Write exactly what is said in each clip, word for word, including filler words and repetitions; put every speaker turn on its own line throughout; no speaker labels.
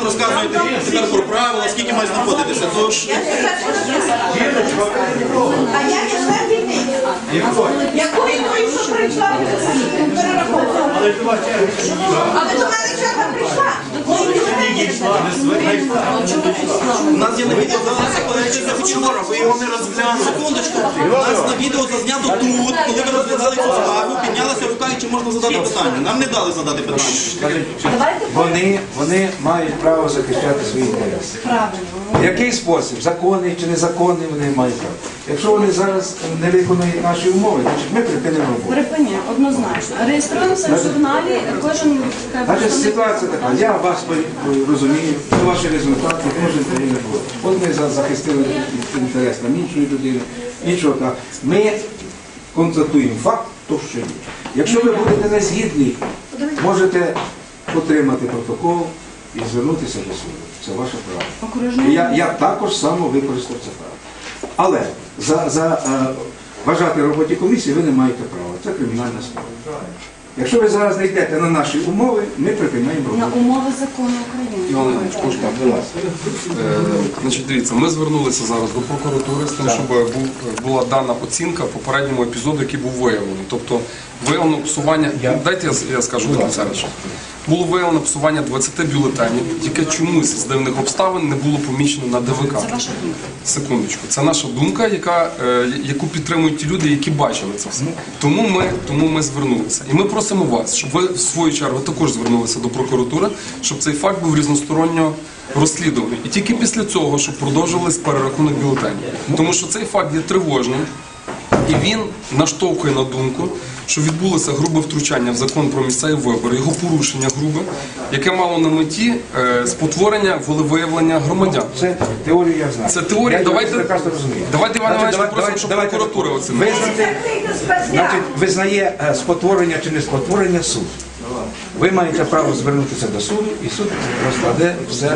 розказуєте тепер про правила, скільки має знаходитися. То ж...
А я не знаю дільниці. Якої тої, що прийшла перераховувала? Але до мене черга прийшла.
У нас є на відео зазнято, коли ви вчора, ви його не розглянули. Секундочку. У нас на відео зазнято тут, коли ви розглядали цю справу, піднялася рука, і чи можна задати питання. Нам не дали задати питання.
Вони, вони мають право захищати свої інтереси. В який спосіб? Законний чи незаконний, вони мають право. Якщо вони зараз не виконують наші умови, значить ми припинимо роботу.
Припині, однозначно. Реєструємося в журналі, кожен...
Значить, ситуація така, я вас розумію, це ваші результати, кожен повинен бути. От ми захистили інтерес там іншої людини, іншого так. Ми констатуємо факт, то що є. Якщо ви будете не згідні, можете отримати протокол і звернутися до суду. Це ваше право. І я, я також само використав це право. Але за, за е, вважати роботі комісії ви не маєте права. Це кримінальна справа. Якщо ви зараз не йдете на наші умови, ми припиняємо роботу.
На умови закону України.
Іван Іванович, можна? Значить, дивіться, ми звернулися зараз до прокуратури з тим, щоб був, була дана оцінка попередньому епізоду, який був виявлений. Тобто виявлено псування, дайте я, я скажу до кінця. Було виявлено псування двадцяти бюлетенів, яке чомусь з дивних обставин не було помічено на ДВК.
Це ваша думка?
Секундочку. Це наша думка, яка, е, яку підтримують ті люди, які бачили це все. Тому ми, тому ми звернулися. І ми просимо вас, щоб ви в свою чергу також звернулися до прокуратури, щоб цей факт був різносторонньо розслідуваний. І тільки після цього, щоб продовжувались перерахунок бюлетенів. Тому що цей факт є тривожним. І він наштовхує на думку, що відбулося грубе втручання в закон про місцеві вибори, його порушення грубе, яке мало на меті е, спотворення волевиявлення громадян.
Це теорію я знаю.
Це теорія.
Я
давайте,
прекрасно розумію.
давайте, Іван Іванович,
Давайте,
попросимо, щоб
давайте,
прокуратура оцінила.
Визнати, значить, визнає е, спотворення чи не спотворення суд. Ви маєте право звернутися до суду, і суд розкладе все.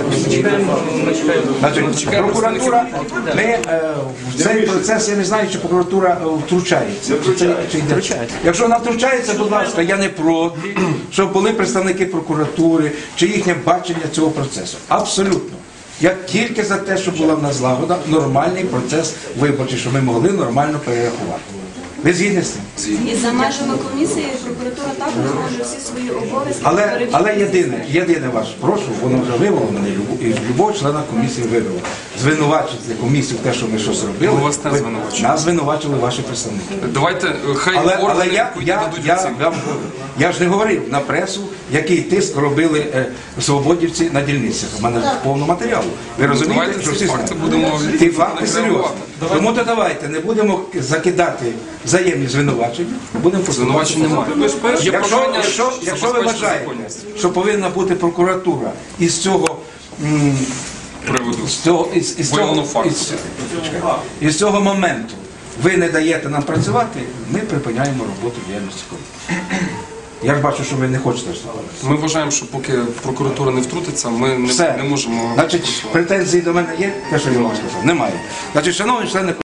Значить, прокуратура, ми е, в цей процес, я не знаю, чи прокуратура е, втручається. Чи це, чи йде. Якщо вона втручається, будь ласка, я не проти, щоб були представники прокуратури, чи їхнє бачення цього процесу. Абсолютно. Я тільки за те, щоб була в нас злагода, нормальний процес виборчий, щоб ми могли нормально перерахувати. Ви згідні з цим?
І за межами комісії прокуратура також може всі свої обов'язки
Але,
перевірити.
але єдине, єдине вас прошу, воно вже вивело мене, і любого члена комісії вивело. Звинувачити комісію в те, що ми щось робили.
Ми вас не
ви-
звинувачуємо.
Нас звинувачили ваші представники.
Давайте, е, хай
Але, але
органи
я, я,
дадуть
я,
оцінку.
я, я ж не говорив на пресу, який тиск робили е, свободівці на дільницях. У мене повно матеріалу. Ви розумієте,
давайте
що
ці
всі
факти
знають?
будемо
Ті факти серйозні.
реагувати.
Тому то давайте не будемо закидати взаємні звинувачення, будемо
Звинувачень немає. Є
Якщо,
прохання
якщо, якщо ви
забезпечити
вважаєте,
законність
що повинна бути прокуратура із цього, м,
приводу.
з цього, із, із,
Виявлено
цього,
факт.
із, із цього моменту ви не даєте нам працювати, ми припиняємо роботу діяльності комісії. Я ж бачу, що ви не хочете вставати.
Ми вважаємо, що поки прокуратура не втрутиться, ми не,
Все.
не можемо...
Значить, претензії до мене є, те, що я вам сказав, немає. Значить, шановні члени